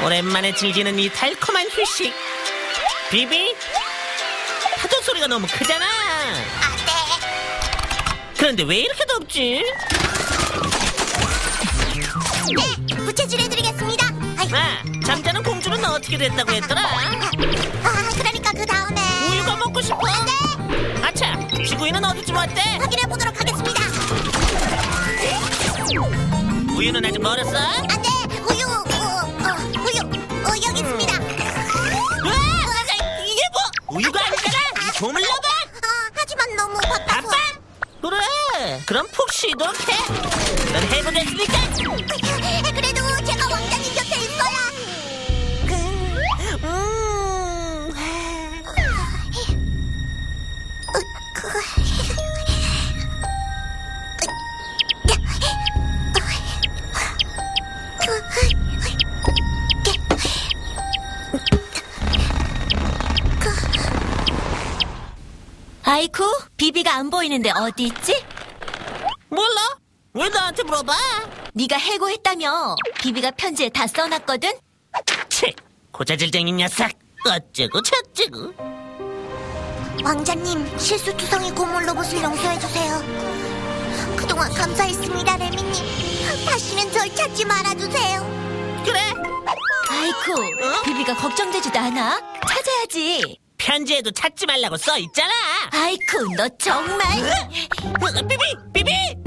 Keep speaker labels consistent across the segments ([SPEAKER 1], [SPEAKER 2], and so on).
[SPEAKER 1] 오랜만에 즐기는 이 달콤한 휴식. 비비, 파도 소리가 너무 크잖아. 그런데 왜 이렇게 덥지?
[SPEAKER 2] 네, 부채질 해드리겠습니다.
[SPEAKER 1] 잠자는 공주는 어떻게 됐다고 했더라?
[SPEAKER 2] 그러니까 그 다음에
[SPEAKER 1] 우유가 먹고 싶어?
[SPEAKER 2] 네,
[SPEAKER 1] 아차, 지구인은 어디쯤 왔대?
[SPEAKER 2] 확인해보도록 하겠습니다.
[SPEAKER 1] 우유는 아직 멀었어?
[SPEAKER 2] 네, 우유 여기 있습니다.
[SPEAKER 1] 이게 뭐? 우유가 아니잖아! 이 조물러봐!
[SPEAKER 2] 하지만 너무 바빠서.
[SPEAKER 1] 바빠? 그래, 그럼 푹 쉬도록 해. 넌 해보겠으니까.
[SPEAKER 2] 그래도 제가 왕자님 곁에 있어야.
[SPEAKER 3] 아이쿠, 비비가 안 보이는데 어디 있지?
[SPEAKER 1] 몰라? 왜 나한테 물어봐?
[SPEAKER 3] 네가 해고했다며. 비비가 편지에 다 써놨거든?
[SPEAKER 1] 치, 고자질쟁이 녀석. 어쩌고 저쩌고.
[SPEAKER 2] 왕자님, 실수투성이 고물 로봇을 용서해주세요. 그동안 감사했습니다, 레미님. 다시는 절 찾지 말아주세요.
[SPEAKER 1] 그래,
[SPEAKER 3] 아이쿠, 비비가 걱정되지도 않아? 찾아야지.
[SPEAKER 1] 편지에도 찾지 말라고 써 있잖아.
[SPEAKER 3] 아이쿠, 너 정말.
[SPEAKER 1] 비비!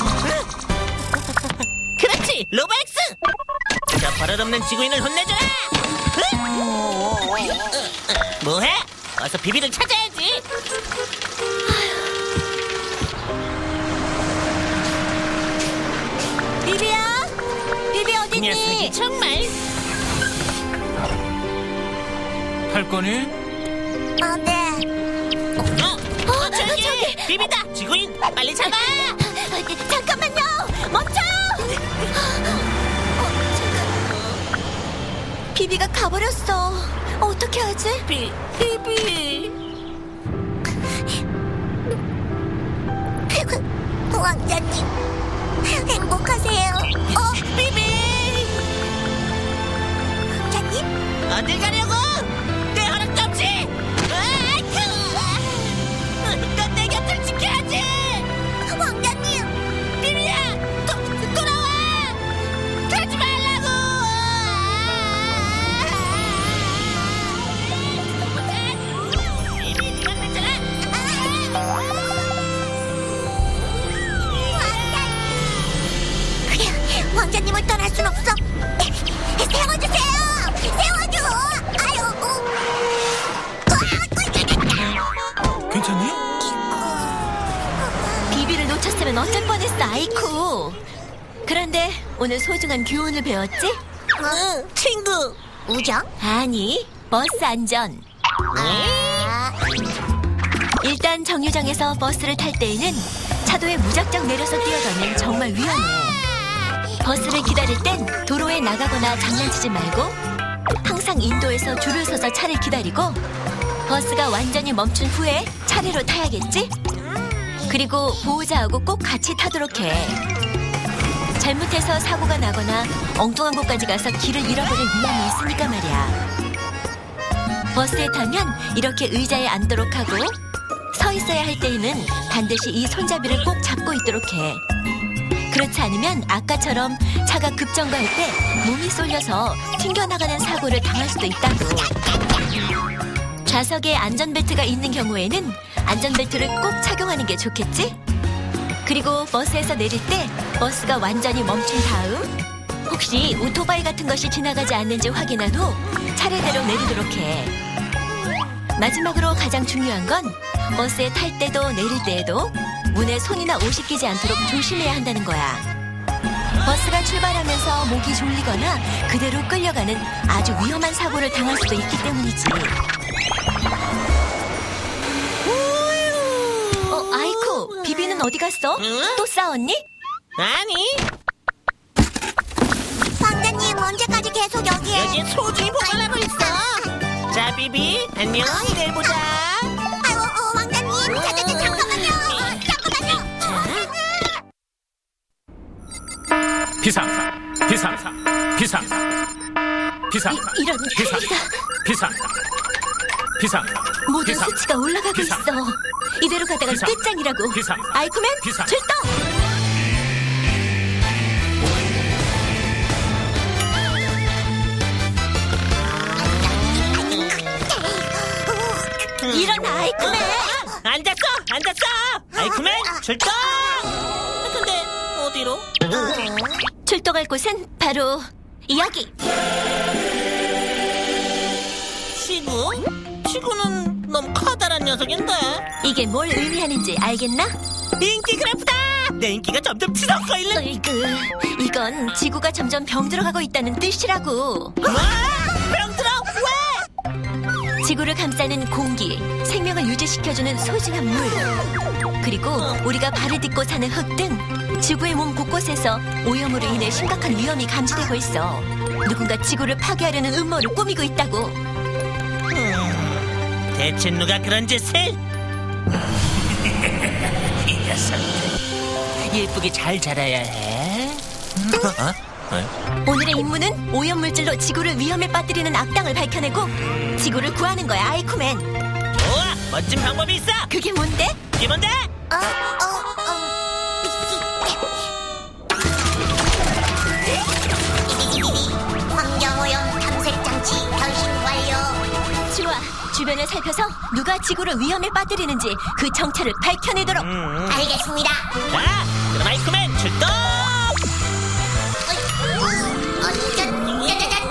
[SPEAKER 1] 그렇지, 로바엑스! 저 버릇없는 지구인을 혼내줘라! 뭐해? 어서 비비를 찾아야지.
[SPEAKER 3] 비비야? 비비
[SPEAKER 1] 이 녀석이
[SPEAKER 3] 어딨니?
[SPEAKER 1] 정말.
[SPEAKER 4] 할 거니?
[SPEAKER 2] 네.
[SPEAKER 1] 저기! 비비다! 지구인, 빨리 잡아!
[SPEAKER 3] 잠깐만요! 멈춰! 비비가 가버렸어. 어떻게 하지?
[SPEAKER 1] 비비!
[SPEAKER 2] 왕자님, 행복하세요.
[SPEAKER 1] 비비!
[SPEAKER 2] 왕자님?
[SPEAKER 1] 어딜 가려고? 내 허락도 없이! 넌 내 곁을 지켜야지!
[SPEAKER 2] 왕자님!
[SPEAKER 1] 비비야! 돌아와! 가지 말라고! 비비, 그만 됐잖아!
[SPEAKER 2] 왕자님을 떠날 순 없어. 세워주세요! 세워줘!
[SPEAKER 4] 괜찮니?
[SPEAKER 3] 비비를 놓쳤으면 어쩔 뻔했어, 아이쿠. 그런데 오늘 소중한 교훈을 배웠지?
[SPEAKER 1] 친구!
[SPEAKER 2] 우정?
[SPEAKER 3] 아니, 버스 안전. 일단 정류장에서 버스를 탈 때에는 차도에 무작정 내려서 뛰어가면 정말 위험해. 버스를 기다릴 땐 도로에 나가거나 장난치지 말고 항상 인도에서 줄을 서서 차를 기다리고 버스가 완전히 멈춘 후에 차례로 타야겠지? 그리고 보호자하고 꼭 같이 타도록 해. 잘못해서 사고가 나거나 엉뚱한 곳까지 가서 길을 잃어버릴 위험이 있으니까 말이야. 버스에 타면 이렇게 의자에 앉도록 하고 서 있어야 할 때에는 반드시 이 손잡이를 꼭 잡고 있도록 해. 그렇지 않으면 아까처럼 차가 급정거할 때 몸이 쏠려서 튕겨나가는 사고를 당할 수도 있다고. 좌석에 안전벨트가 있는 경우에는 안전벨트를 꼭 착용하는 게 좋겠지? 그리고 버스에서 내릴 때 버스가 완전히 멈춘 다음 혹시 오토바이 같은 것이 지나가지 않는지 확인한 후 차례대로 내리도록 해. 마지막으로 가장 중요한 건 버스에 탈 때도 내릴 때에도 문에 손이나 옷이 끼지 않도록 조심해야 한다는 거야. 버스가 출발하면서 목이 졸리거나 그대로 끌려가는 아주 위험한 사고를 당할 수도 있기 때문이지. 아이쿠, 비비는 어디 갔어?
[SPEAKER 1] 응?
[SPEAKER 3] 또 싸웠니?
[SPEAKER 1] 아니,
[SPEAKER 2] 왕자님, 언제까지 계속 여기에?
[SPEAKER 1] 여기에 소중히 보관하고 있어. 자, 비비, 안녕, 내일 보자.
[SPEAKER 2] 왕자님, 잠깐만요.
[SPEAKER 4] 비상! 비상.
[SPEAKER 3] 이런
[SPEAKER 4] 비상.
[SPEAKER 3] 큰일이다.
[SPEAKER 4] 비상. 비상.
[SPEAKER 3] 모든
[SPEAKER 4] 비상.
[SPEAKER 3] 수치가 올라가고
[SPEAKER 4] 비상.
[SPEAKER 3] 있어. 이대로 가다가
[SPEAKER 4] 비상.
[SPEAKER 3] 끝장이라고.
[SPEAKER 4] 비상.
[SPEAKER 3] 아이쿠맨
[SPEAKER 4] 비상.
[SPEAKER 3] 출동. 일어나 아이쿠맨.
[SPEAKER 1] 앉았어. 아이쿠맨 출동. 근데 어디로?
[SPEAKER 3] 출동할 곳은 바로 여기.
[SPEAKER 1] 지구는 너무 커다란 녀석인데.
[SPEAKER 3] 이게 뭘 의미하는지 알겠나?
[SPEAKER 1] 인기 그래프다. 내 인기가 점점 치솟고 있는.
[SPEAKER 3] 으이그, 이건 지구가 점점 병들어가고 있다는 뜻이라고.
[SPEAKER 1] 병들어 왜?
[SPEAKER 3] 지구를 감싸는 공기, 생명을 유지시켜주는 소중한 물, 그리고 우리가 발을 딛고 사는 흙 등 지구의 몸 곳곳에서 오염으로 인해 심각한 위험이 감지되고 있어. 누군가 지구를 파괴하려는 음모를 꾸미고 있다고.
[SPEAKER 1] 대체 누가 그런 짓을? 이 녀석들 예쁘게 잘 자라야 해.
[SPEAKER 3] 오늘의 임무는 오염물질로 지구를 위험에 빠뜨리는 악당을 밝혀내고 지구를 구하는 거야, 아이쿠맨.
[SPEAKER 1] 좋아, 멋진 방법이 있어.
[SPEAKER 3] 그게 뭔데?
[SPEAKER 1] 이게 뭔데?
[SPEAKER 2] 환경오염 탐색 장치 변신 완료.
[SPEAKER 3] 좋아, 주변을 살펴서 누가 지구를 위험에 빠뜨리는지 그 정체를 밝혀내도록.
[SPEAKER 2] 알겠습니다.
[SPEAKER 1] 자, 그럼 아이쿠맨 출동.
[SPEAKER 2] 짜자잔.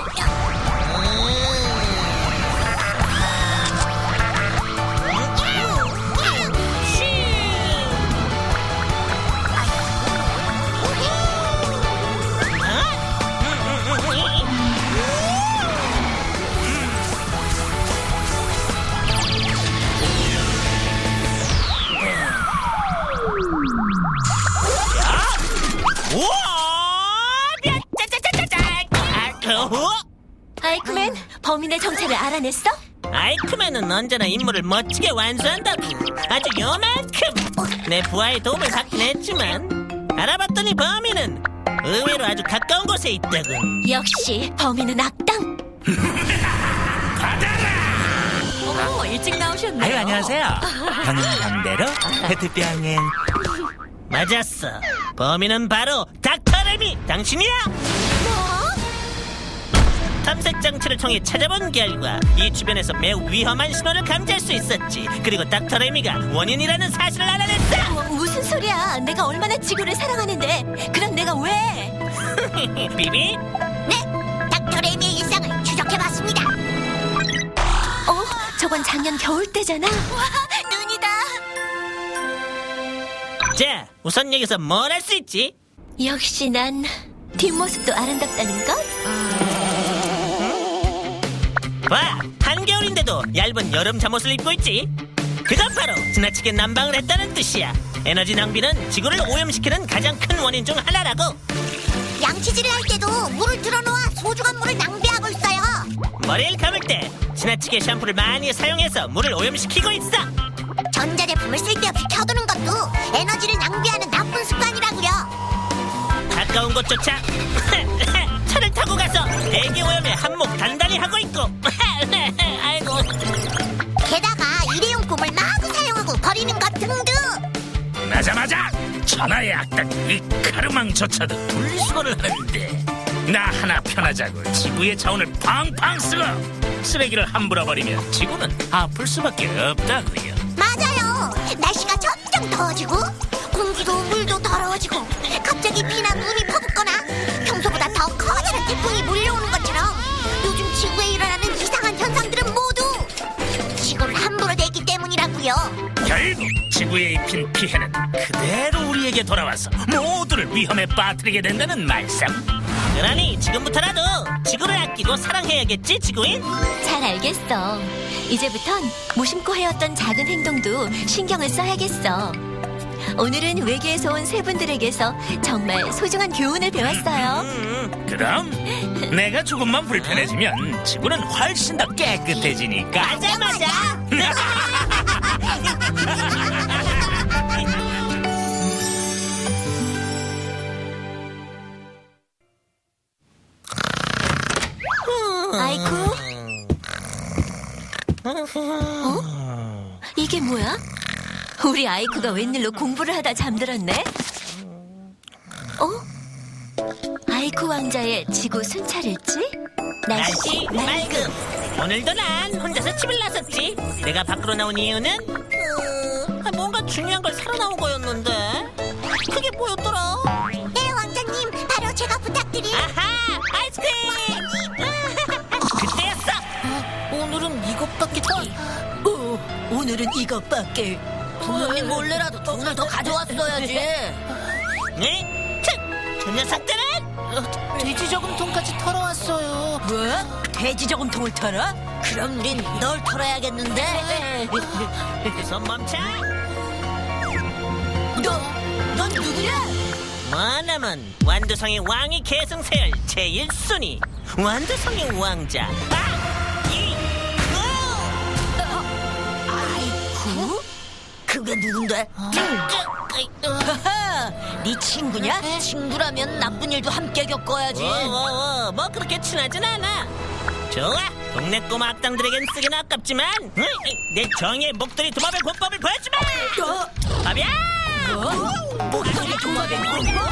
[SPEAKER 1] 우와! 짜자자자자!
[SPEAKER 3] 아이쿠맨, 범인의 정체를 알아냈어?
[SPEAKER 1] 아이쿠맨은 언제나 임무를 멋지게 완수한다고. 아주 요만큼 내 부하의 도움을 받긴 했지만 알아봤더니 범인은 의외로 아주 가까운 곳에 있다군.
[SPEAKER 3] 역시 범인은 악당. 어머, 일찍 나오셨네요.
[SPEAKER 5] 아유, 안녕하세요. 형님대로 페트병엔
[SPEAKER 1] 맞았어. 범인은 바로 닥터 레미. 당신이야? 탐색 장치를 통해 찾아본 결과 이 주변에서 매우 위험한 신호를 감지할 수 있었지. 그리고 닥터 레미가 원인이라는 사실을 알아냈어.
[SPEAKER 3] 무슨 소리야? 내가 얼마나 지구를 사랑하는데. 그럼 내가 왜?
[SPEAKER 1] 비비?
[SPEAKER 2] 네, 닥터 레미의 일상을 추적해봤습니다.
[SPEAKER 3] 저건 작년 겨울 때잖아. 와, 눈이다.
[SPEAKER 1] 자, 우선 여기서 뭘 할 수 있지?
[SPEAKER 3] 역시 난 뒷모습도 아름답다는 것.
[SPEAKER 1] 봐, 한겨울인데도 얇은 여름 잠옷을 입고 있지. 그건 바로 지나치게 난방을 했다는 뜻이야. 에너지 낭비는 지구를 오염시키는 가장 큰 원인 중 하나라고.
[SPEAKER 2] 양치질을 할 때도 물을 틀어놓아 소중한 물을 낭비하고 있어요.
[SPEAKER 1] 머리를 감을 때 지나치게 샴푸를 많이 사용해서 물을 오염시키고 있어.
[SPEAKER 2] 전자제품을 쓸데없이 켜두는 것도 에너지를 낭비하는 나쁜 습관이라고요.
[SPEAKER 1] 가까운 곳조차 차를 타고 가서 대기 오염에 한몫 단단히 하고 있고. 아이고.
[SPEAKER 2] 게다가 일회용품을 마구 사용하고 버리는 것 등등.
[SPEAKER 5] 나자마자 천하의 악당 이 카르망조차도 분리수거를 하는데 나 하나 편하자고 지구의 자원을 팡팡 쓰고 쓰레기를 함부로 버리면 지구는 아플 수밖에 없다고요.
[SPEAKER 2] 맞아요. 날씨가 점점 더워지고 공기도 물도 더러워지고 갑자기 비나 눈이 퍼붓거나 평소보다 더 커다란 태풍이 몰려오는 것처럼 요즘 지구에 일어나는 이상한 현상들은 모두 지구를 함부로 냈기 때문이라고요.
[SPEAKER 5] 결국 지구에 입힌 피해는 그대로 우리에게 돌아와서 모두를 위험에 빠뜨리게 된다는 말씀.
[SPEAKER 1] 그러니 지금부터라도 지구를 아끼고 사랑해야겠지, 지구인?
[SPEAKER 3] 잘 알겠어. 이제부턴 무심코 해왔던 작은 행동도 신경을 써야겠어. 오늘은 외계에서 온 세 분들에게서 정말 소중한 교훈을 배웠어요.
[SPEAKER 5] 그럼 내가 조금만 불편해지면 지구는 훨씬 더 깨끗해지니까.
[SPEAKER 1] 맞아.
[SPEAKER 3] 아이쿠? 이게 뭐야? 우리 아이쿠가 웬일로 공부를 하다 잠들었네? 아이쿠 왕자의 지구 순찰일지?
[SPEAKER 1] 날씨 맑음. 오늘도 난 혼자서 집을 나섰지. 내가 밖으로 나온 이유는 뭔가 중요한 걸 사러 나온 거였는데 그게 뭐였더라?
[SPEAKER 2] 네, 왕자님. 바로 제가 부탁드린.
[SPEAKER 1] 아하! 아이스크림! 그때였어!
[SPEAKER 6] 오늘은 이것밖에
[SPEAKER 3] 오늘은 이것밖에.
[SPEAKER 6] 부모님 몰래라도 돈을 더 가져왔어야지.
[SPEAKER 1] 네? 저 녀석들은!
[SPEAKER 6] 돼지 저금통까지 털어왔어요.
[SPEAKER 3] 뭐? 돼지 저금통을 털어?
[SPEAKER 6] 그럼 우린 널 털어야겠는데.
[SPEAKER 1] 손 멈춰!
[SPEAKER 3] 넌 누구냐?
[SPEAKER 1] 뭐냐면 완두성의 왕이 계승세열 제1순위 완두성의 왕자
[SPEAKER 3] 아이쿠? 그게 누군데? 하하, 네 친구냐?
[SPEAKER 6] 친구라면 나쁜 일도 함께 겪어야지.
[SPEAKER 1] 뭐 그렇게 친하진 않아. 좋아, 동네 꼬마 악당들에겐 쓰긴 아깝지만 내 정의의 목도리 도마뱀 권법을 보여주마. 밥이야.
[SPEAKER 3] 목소리 도마뱀 공부?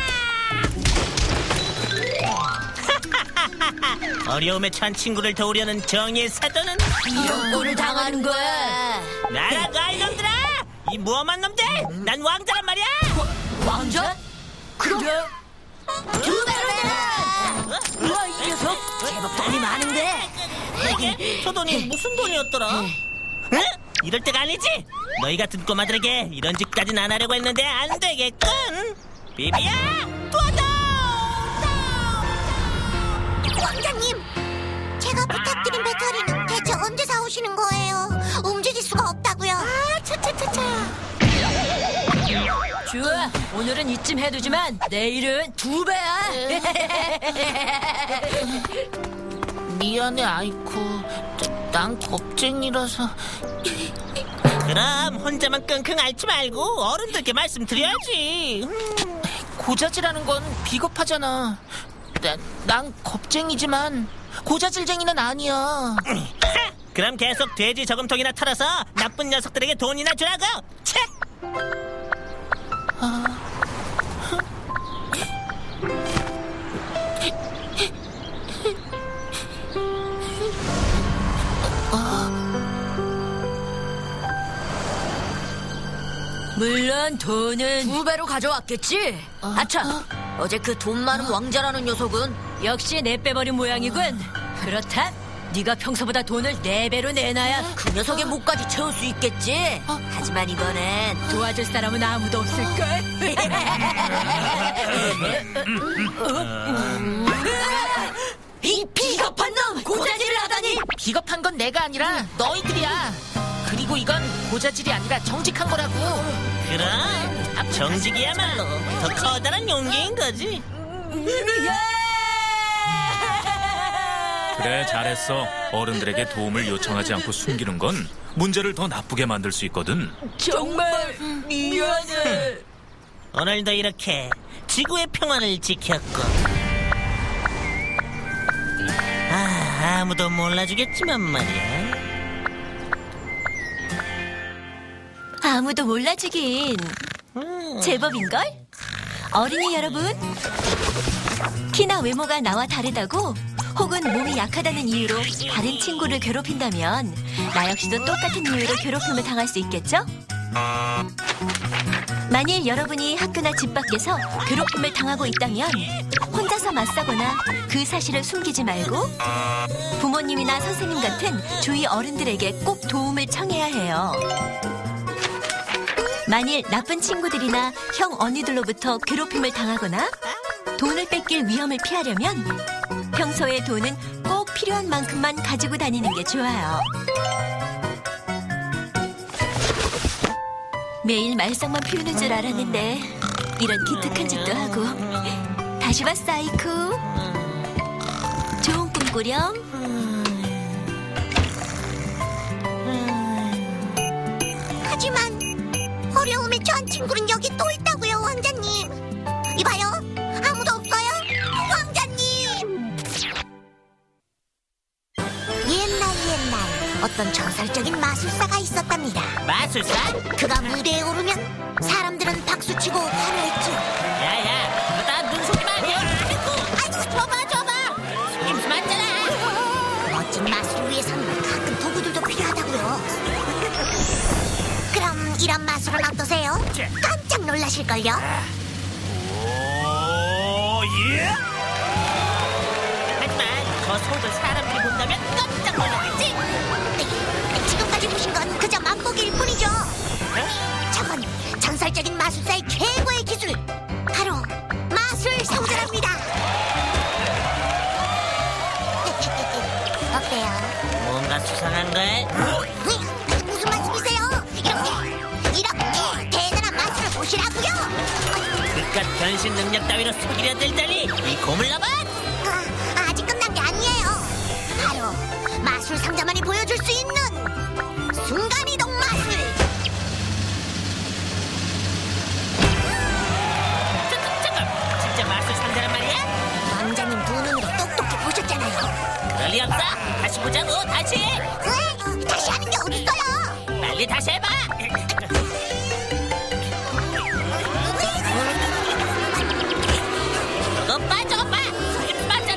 [SPEAKER 1] 어려움에 처한 친구를 도우려는 정의의 사도는
[SPEAKER 3] 이런 꼴을 당하는 거야.
[SPEAKER 1] 나라고 이놈들아. 이 무엄한 놈들, 난 왕자란 말이야.
[SPEAKER 3] 왕자? 그래? 두 배로 내라! 우와, 이 녀석 제법 돈이 많은데.
[SPEAKER 1] 저 돈이 무슨 돈이었더라? 응? 이럴 때가 아니지. 너희 같은 꼬마들에게 이런 짓까지는 안 하려고 했는데 안 되겠군. 비비야, 도와줘!
[SPEAKER 2] 왕자님, 제가 부탁드린 배터리는 대체 언제 사오시는 거예요? 움직일 수가 없다고요. 차차차차.
[SPEAKER 3] 좋아, 오늘은 이쯤 해두지만 내일은 두 배야.
[SPEAKER 6] 미안해, 아이쿠. 난 겁쟁이라서.
[SPEAKER 1] 그럼 혼자만 끙끙 앓지 말고 어른들께 말씀드려야지.
[SPEAKER 6] 고자질하는 건 비겁하잖아. 난 겁쟁이지만 고자질쟁이는 아니야.
[SPEAKER 1] 그럼 계속 돼지 저금통이나 털어서 나쁜 녀석들에게 돈이나 주라고. 책!
[SPEAKER 3] 물론 돈은
[SPEAKER 6] 두 배로 가져왔겠지?
[SPEAKER 3] 아차,
[SPEAKER 6] 어제 그 돈 많은 왕자라는 녀석은
[SPEAKER 3] 역시 내 빼버린 모양이군. 그렇다, 네가 평소보다 돈을 4배로 내놔야
[SPEAKER 6] 그 녀석의 목까지 채울 수 있겠지? 하지만 이번엔
[SPEAKER 3] 도와줄 사람은 아무도 없을걸. 이 비겁한 놈! 고자질을 하다니!
[SPEAKER 6] 비겁한 건 내가 아니라 너희들이야. 그리고 이건 고자질이 아니라 정직한 거라고.
[SPEAKER 1] 그럼 정직이야말로 더 커다란 용기인 거지.
[SPEAKER 4] 그래, 잘했어. 어른들에게 도움을 요청하지 않고 숨기는 건 문제를 더 나쁘게 만들 수 있거든.
[SPEAKER 3] 정말 미안해.
[SPEAKER 1] 오늘도 이렇게 지구의 평화를 지켰고 아무도 몰라주겠지만 말이야.
[SPEAKER 3] 아무도 몰라주긴 제법인걸? 어린이 여러분, 키나 외모가 나와 다르다고 혹은 몸이 약하다는 이유로 다른 친구를 괴롭힌다면 나 역시도 똑같은 이유로 괴롭힘을 당할 수 있겠죠? 만일 여러분이 학교나 집 밖에서 괴롭힘을 당하고 있다면 혼자서 맞서거나 그 사실을 숨기지 말고 부모님이나 선생님 같은 주위 어른들에게 꼭 도움을 청해야 해요. 만일 나쁜 친구들이나 형 언니들로부터 괴롭힘을 당하거나 돈을 뺏길 위험을 피하려면 평소에 돈은 꼭 필요한 만큼만 가지고 다니는 게 좋아요. 매일 말썽만 피우는 줄 알았는데 이런 기특한 짓도 하고. 다시 봤어, 아이쿠. 좋은 꿈 꾸렴.
[SPEAKER 2] 하지만 어려움에 처한 친구는 여기 또 있다고요, 왕자님. 이봐요, 아무도 없어요, 왕자님. 마술사가 있었답니다.
[SPEAKER 1] 마술사?
[SPEAKER 2] 그가 무대에 오르면 사람들은 박수치고 환호했죠.
[SPEAKER 1] 야야, 너 나 눈속임 아니야?
[SPEAKER 2] 아이고, 줘봐.
[SPEAKER 1] 속임수 맞잖아.
[SPEAKER 2] 멋진 마술을 위해서는 가끔 도구들도 필요하다고요. 그럼 이런 마술은 어떠세요? 깜짝 놀라실걸요?
[SPEAKER 5] 오, 예!
[SPEAKER 1] 하지만 저 소들 사람들이 본다면 깜짝 놀라겠지?
[SPEAKER 2] 지금까지 보신 건 그저 맛보기일 뿐이죠. 저건 전설적인 마술사의 최고의 기술, 바로 마술 성전합니다. 어때요?
[SPEAKER 1] 뭔가 수상한걸?
[SPEAKER 2] 무슨 말씀이세요? 이렇게 대단한 마술을 보시라고요.
[SPEAKER 1] 그깟 변신 능력 따위로 속이려 들다니 이 고물러봐!
[SPEAKER 2] 아직 끝난 게 아니에요. 바로 마술 상자만이 보여줄 수 있는 순간이동 마술.
[SPEAKER 1] 잠깐! 진짜 마술 상자란 말이야?
[SPEAKER 2] 왕자님 두 눈으로 똑똑히 보셨잖아요.
[SPEAKER 1] 그럴 리 없어! 다시 보자고, 다시!
[SPEAKER 2] 왜? 다시 하는 게 어딨어요?
[SPEAKER 1] 빨리 다시 해봐! 저거 봐! 속임수 맞잖아!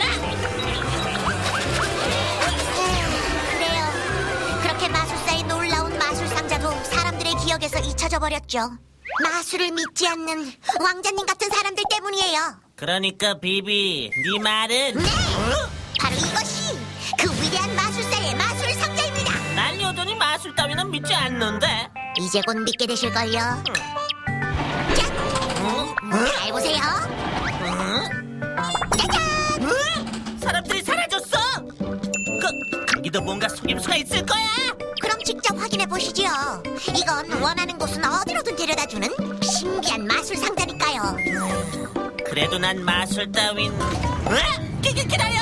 [SPEAKER 2] 그래요. 그렇게 마술사의 놀라운 마술 상자도 사람들의 기억에서 잊혀져 버렸죠. 마술을 믿지 않는 왕자님 같은 사람들 때문이에요.
[SPEAKER 1] 그러니까 비비, 네 말은
[SPEAKER 2] 네! 바로 이것이 그 위대한 마술사의 마술 상자입니다.
[SPEAKER 1] 난 여전히 마술 따위는 믿지 않는데.
[SPEAKER 2] 이제 곧 믿게 되실걸요. 짠! 잘 보세요. 짜잔!
[SPEAKER 1] 사람들이 사라졌어. 거기도 뭔가 속임수가 있을 거야.
[SPEAKER 2] 그럼 직접 확인해 보시지요. 이건 원하는 곳은 어디로든 데려다주는 신기한 마술 상자니까요.
[SPEAKER 1] 그래도 난 마술 따윈. 기다려.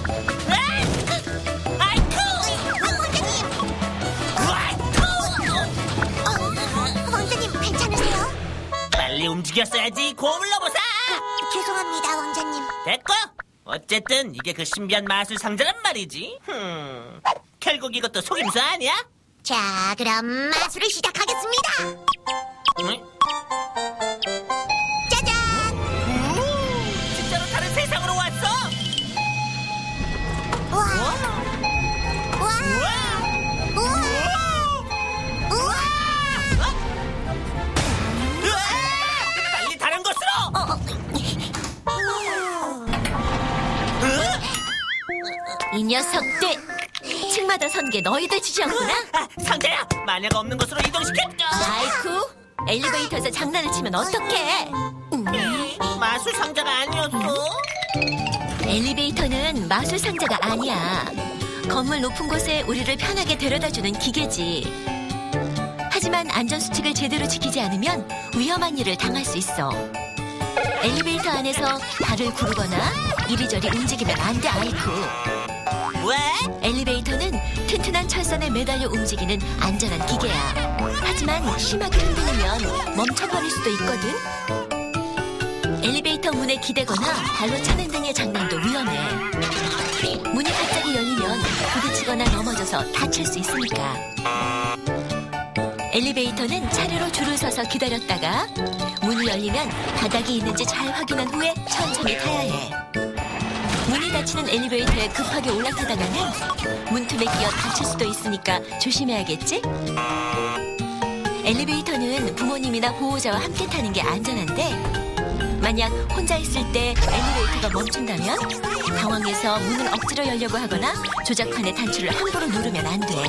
[SPEAKER 2] 왕자님 괜찮으세요?
[SPEAKER 1] 빨리 움직였어야지. 고물러보사.
[SPEAKER 2] 죄송합니다, 왕자님.
[SPEAKER 1] 됐고. 어쨌든 이게 그 신비한 마술 상자란 말이지. 결국 이것도 속임수 아니야?
[SPEAKER 2] 자, 그럼 마술을 시작하겠습니다.
[SPEAKER 1] 응?
[SPEAKER 2] 짜잔!
[SPEAKER 1] 진짜로 다른 세상으로 왔어.
[SPEAKER 2] 우와! 우와! 우와! 우와!
[SPEAKER 1] 으아! 빨리 다른 곳으로.
[SPEAKER 3] 이 녀석들! 층마다 선 게 너희들 지지였구나?
[SPEAKER 1] 상자야, 만약 없는 곳으로 이동시켰죠.
[SPEAKER 3] 아이쿠! 엘리베이터에서 장난을 치면 어떡해?
[SPEAKER 1] 마술 상자가 아니었어.
[SPEAKER 3] 엘리베이터는 마술 상자가 아니야. 건물 높은 곳에 우리를 편하게 데려다주는 기계지. 하지만 안전수칙을 제대로 지키지 않으면 위험한 일을 당할 수 있어. 엘리베이터 안에서 발을 구르거나 이리저리 움직이면 안 돼, 아이쿠.
[SPEAKER 1] 왜?
[SPEAKER 3] 엘리베이터는 튼튼한 철선에 매달려 움직이는 안전한 기계야. 하지만 심하게 흔들리면 멈춰버릴 수도 있거든. 엘리베이터 문에 기대거나 발로 차는 등의 장난도 위험해. 문이 갑자기 열리면 부딪히거나 넘어져서 다칠 수 있으니까. 엘리베이터는 차례로 줄을 서서 기다렸다가 문이 열리면 바닥이 있는지 잘 확인한 후에 천천히 타야 해. 문이 닫히는 엘리베이터에 급하게 올라타다가는 문틈에 끼어 다칠 수도 있으니까 조심해야겠지? 엘리베이터는 부모님이나 보호자와 함께 타는 게 안전한데 만약 혼자 있을 때 엘리베이터가 멈춘다면 당황해서 문을 억지로 열려고 하거나 조작판의 단추를 함부로 누르면 안 돼.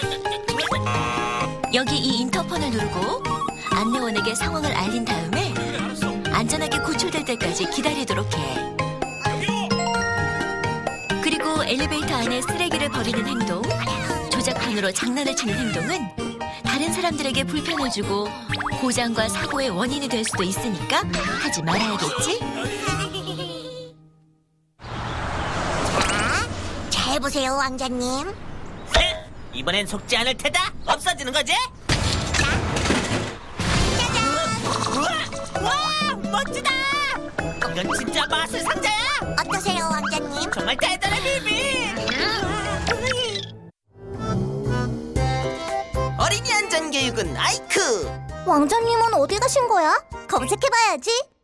[SPEAKER 3] 여기 이 인터폰을 누르고 안내원에게 상황을 알린 다음에 안전하게 구출될 때까지 기다리도록 해. 그리고 엘리베이터 안에 쓰레기를 버리는 행동, 조작판으로 장난을 치는 행동은 다른 사람들에게 불편을 주고 고장과 사고의 원인이 될 수도 있으니까 하지 말아야겠지?
[SPEAKER 2] 자, 잘 보세요, 왕자님.
[SPEAKER 1] 이번엔 속지 않을 테다. 없어지는 거지? 와, 멋지다. 이건 진짜 마술 상자야.
[SPEAKER 2] 어떠세요, 왕자님?
[SPEAKER 1] 정말 대단해, 비비.
[SPEAKER 7] 제육은 아이크.
[SPEAKER 2] 왕자님은 어디 가신 거야? 검색해봐야지.